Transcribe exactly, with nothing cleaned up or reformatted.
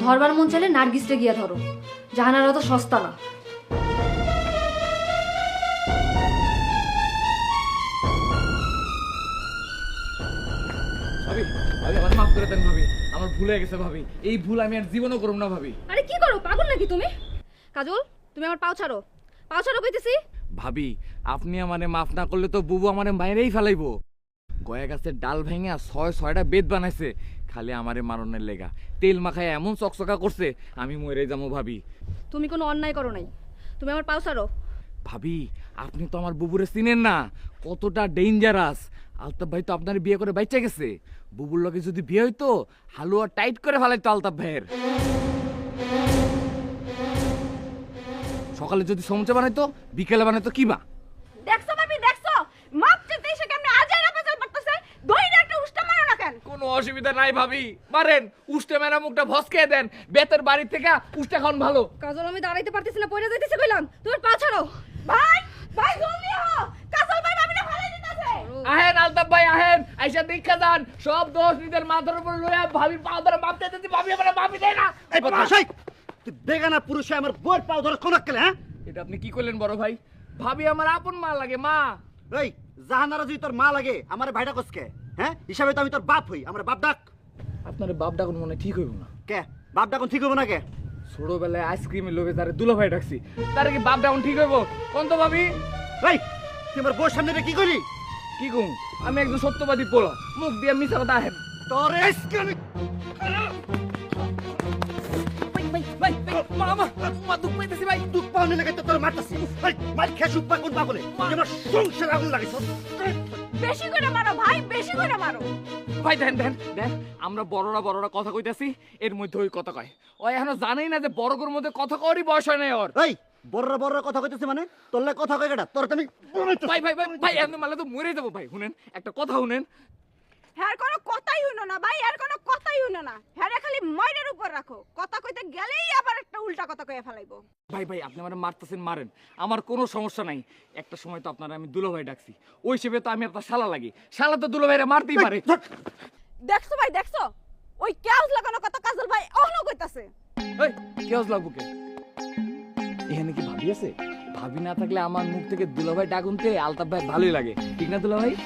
ধরবার মন চাইলে নার্গিসটা গিয়া ধরো, জাহানারা তো সস্তা না। ভাবি ভাবি আমার মাফ করে দেন ভাবি, আমার ভুল হয়ে গেছে ভাবি, এই ভুল আমি আর জীবনও করব না ভাবি। আরে কি করো, পাগল নাকি তুমি? কাজল, তুমি আমার পাও ছাড়ো, পাও ছাড়ো কইতেছি। ভাবি আপনি আমারে মাফ না করলে তো বুবু আমারে মাইরেই ফেলাইবো। গয়া গাছের ডাল ভেঙে ছয় ছয়টা বেদ বানাইছে খালি আমারে মারনের লেগা, তেল মাখায় এমন চকচকা করছে আমি মরে যাবো ভাবি। তুমি কোনো অন্যায় করো নাই, তুমি আমার পাও ছাড়ো। ভাবি আপনি তো আমার বুবুরে চিনেন না, কতটা ডেঞ্জারাস। আলতাফ ভাই তো আপনার বিয়ে করে বাইচা গেছে, বুবুর লগে যদি বিয়ে হইতো হালুয়া টাইট করে ফেলাইতো আলতাফ ভাইয়ের। সকালে যদি সমুচা বানাইতো বিকেলে বানাইতো কিবা। দেখছো ভাবি, দেখছো মাপ চেতে এসে কেমনে আজাই না পেছাল পড়তেছে, দইরা একটা উষ্টা মারো না কেন? কোনো অসুবিধা নাই ভাবি, মারেন উষ্টা মেরা মুখটা ভসকে দেন, বেতের বাড়ি থেকে উষ্টা খান ভালো। কাজল আমি দাঁড়াইতে পারতেছি না, পড়ে যাইতেছি কইলাম, তোমার পা ছাড়ো। ভাই ভাই জলদি হও, কাজল ভাই ভাবিরে ফেলাই দিতেছে। আহেন আলতাফ ভাই আহেন, আইসা দেখা যান, সব দোষ নিজের মাথার উপর লইয়া ভাবির পা ধরে মাপ দিতেছি, ভাবি আমার মাপি দেয় না। এই বদমাশাই, তুই বেগানা পুরুষে আমার বউয়ের পাও ধরে কোন কেলে? হ্যাঁ এটা আপনি কি করলেন বড় ভাই? ভাবি আমার আপন মা লাগে, মা। এই জাহানারা যদি তোর মা লাগে আমার ভাইটা কসকে? হ্যাঁ হিসাবে তো আমি তোর বাপ হই, আমার বাপ ডাক। আপনার বাপ ডাকুন মনে ঠিক হইব না। কে বাপ ডাকুন ঠিক হবো না কে? ছোটবেলায় আইসক্রিমের লোভে তারে দুলা ভাই ডাকছি, তারে কি বাপ ডাকুন ঠিক হইব? কোন তো ভাবি? এই তুই আমার বউর সামনে রেখে কি করি? কি কম, আমি একজন সত্যবাদী পোলা, মুখ দিয়ে মিছা কথা আহেন। তোর আজকে আমি ভাই ভাই মা মা মা দুঃখ পাইতেছি ভাই। দুধ পাওনি লাগে তো তোর মারতাছি। এই মার খেয়ে সুপ্পা কোন পাগলে আমার সংসার আগুন লাগিস। বেশি করে মারো ভাই, বেশি করে মারো। ভাই দেন দেন দেন, আমরা বড়রা বড়রা কথা কইতাছি, এর মধ্যে ওই কথা কয়। ওই এখনো জানেই না যে বড়গোর মধ্যে কথা কওয়ারই বয়স হয় নাই ওর। এই বড়রা বড়রা কথা কইতেছে মানে তোর লাগে কথা কয় কেডা? তোর তো আমি ভাই ভাই ভাই ভাই এমনি মারলে তো মরে যাবো ভাই। শুনেন একটা কথা শুনেন, হ্যার কোনো কথাই হইনো না ভাই, আর কোনো কথাই হইনো না। হ্যারে খালি মাইরের উপর রাখো, কথা কইতে গেলেই আবার একটা উল্টা কথা কইয়া ফেলাইবো। ভাই ভাই আপনি আমার মারতেছেন মারেন, আমার কোনো সমস্যা নাই। একটা সময় তো আপনারা আমি দুলো ভাই ডাকছি, ওই হিসেবে তো আমি আপনার শালা লাগি, শালা তো দুলো ভাইরা মারতেই পারে। দেখছো ভাই, দেখছো ওই কেউজ লাগানো কথা কাজল ভাই অহনো কইতাছে। এই কেউজ লাগবো কে? এখানে কি ভাবি আছে? ভাবি না থাকলে আমার মুখ থেকে দুলো ভাই ডাকুনতে আলতাফ ভাই ভালোই লাগে, ঠিক না দুলো ভাই?